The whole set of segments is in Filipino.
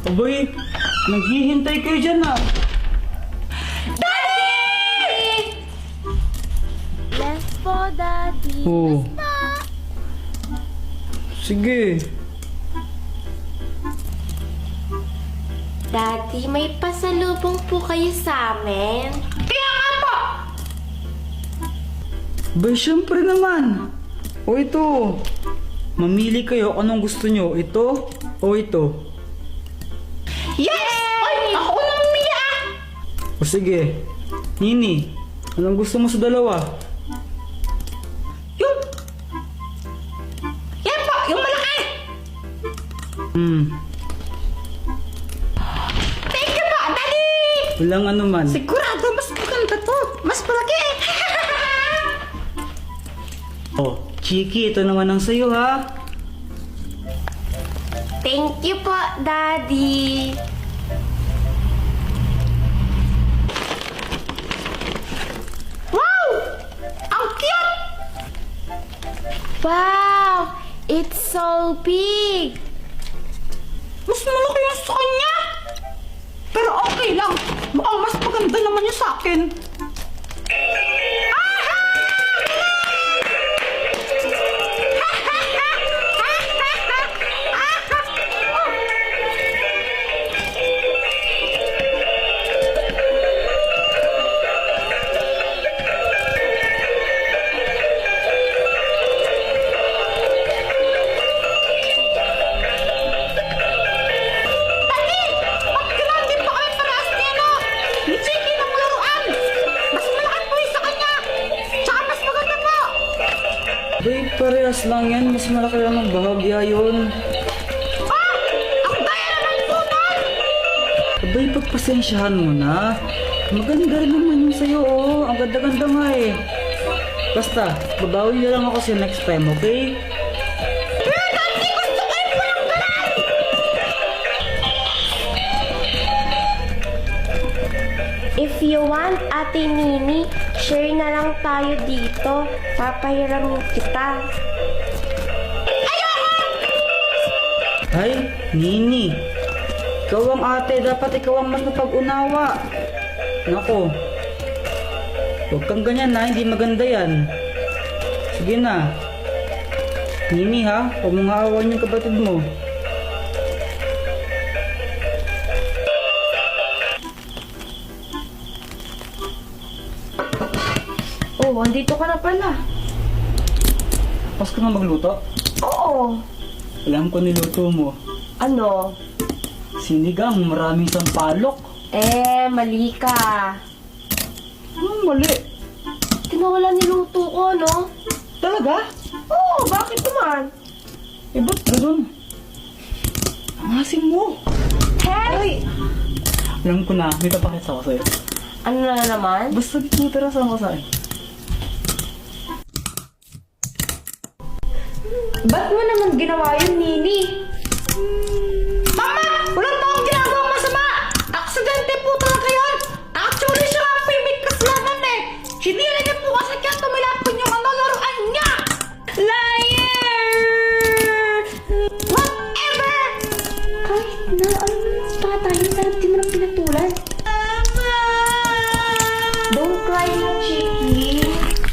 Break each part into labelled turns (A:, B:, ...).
A: Aboy, naghihintay kayo dyan ah.
B: Left po, Daddy.
A: Oo. Sige.
B: Daddy, may pasalubong po kayo sa amin. Kaya nga po!
A: Bay, syempre naman. O ito. Mamili kayo kung anong gusto nyo. Ito o ito.
B: Yes! Ay, ako na mamili ah!
A: O sige. Nini, anong gusto mo sa dalawa?
B: Yan po, yung malaki! Thank you po, Daddy!
A: Walang ano man.
B: Sigurado, mas maganda to. Mas malaki.
A: Oh, Chiki, ito naman ang sayo ha.
B: Thank you po, Daddy. Wow! Ang cute! Wow! It's so big! Mas malaki yung sa kanya! Pero okay lang. Mukhang mas maganda naman yung sa akin.
A: Bay, parehas lang yan. Mas malaki lang ang bahagya yun. Abay, pagpasensyahan mo na. Maganda rin naman yung sayo, oh. Ang ganda-ganda nga eh. Basta, babawi na lang ako sa next time, okay?
B: If you want, Ate Nini, share na lang tayo dito. Papahiramin kita.
A: Ay, Nini. Ikaw ang ate, dapat ikaw ang mas mapag-unawa. Nako. Huwag kang ganyan na, hindi maganda yan. Sige na. Nini ha, huwag mong haawan yung kapatid mo.
B: Oh, andito ka na pala.
A: Pas ka na magluto?
B: Oo.
A: Alam ko niluto mo.
B: Ano?
A: Sinigang, maraming sampalok.
B: Mali ka.
A: Anong mali?
B: Tinawala niluto ko, no?
A: Talaga?
B: Oo, bakit naman?
A: Eh, ba't ganun? Ang asim mo.
B: Hey!
A: Alam ko na, may papakita ko sa'yo.
B: Ano na naman?
A: Basta titirasan ko sa'yo.
B: Ba't mo naman ginawa yun, Nini? Mama! Wala pa akong ginagawang masama! Aksidente po talaga yun! Actually, siya ang may kasalanan eh! Hinila niya po kasi kaya tumilapon yung laruan niya! Liar! Whatever! Kahit na, ano naman pa tayo? Sarap din mo ng pinatulan. Don't cry na, Chiki.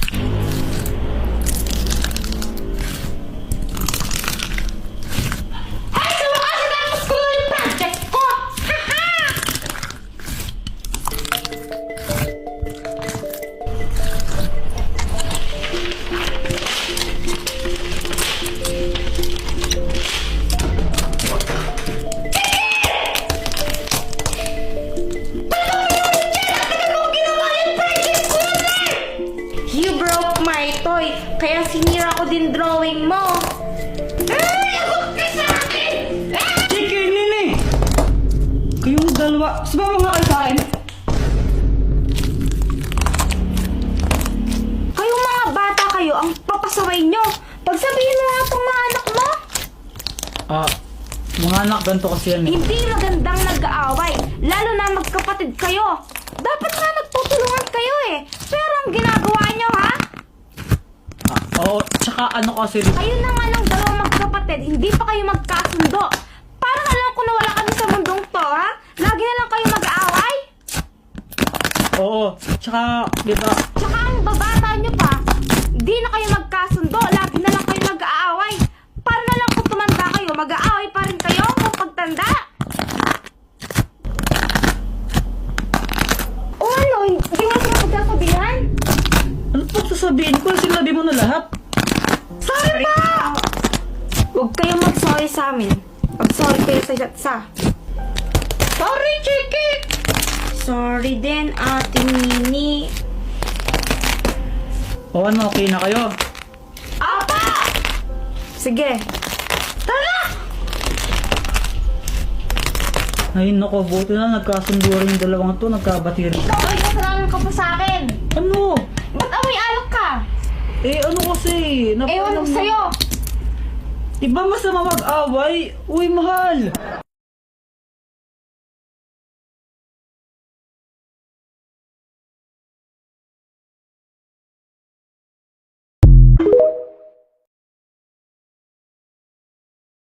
B: You broke my toy, kaya sinira ko din drawing mo. Ay, ako ka sa akin!
A: Chiki, Nini! Kayong dalawa, sumama nga kayo sa akin.
B: Kayong mga bata kayo, ang papasaway nyo. Pagsabihin mo nga itong mga anak mo.
A: Mga anak, ganito kasi yan eh.
B: Hindi magandang nag-aaway, lalo na magkapatid kayo. Dapat nga magtutulungan kayo eh. Pero ang ginagawa nyo ha?
A: Oo, tsaka ano kasi...
B: Kayo na nga ng dalawang magkapatid, hindi pa kayo magkasundo. Parang alam ko na wala kami sa mundong to. ha? Lagi na lang kayo mag-aaway?
A: Oo, tsaka, diba,
B: Tsaka ang babata nyo pa, di na kayo magkasundo, lagi na lang kayo mag-aaway. Para na lang kung tumanda kayo, mag-aaway pa rin kayo kung pagtanda. O ano, hindi mo sila pagkakabihan?
A: ano pang sasabihin ko? Sinabi mo na lahat.
B: Sorry pa! Huwag kayong mag-sorry sa amin. Mag-sorry kayo sa isa't isa. Sorry, Chiki! Sorry din, Ate Nini.
A: O ano, okay na kayo?
B: Apa! Sige. Tara!
A: Ay, nako, buti na nagkasundo rin yung dalawang to, nagkabati rin.
B: Ikaw ay kasalanan ka pa sa akin.
A: Ano?
B: Ba't amoy alak ka?
A: Eh, ano kasi?
B: Ewan ko sa'yo.
A: Diba masama mag-away? Uy, mahal!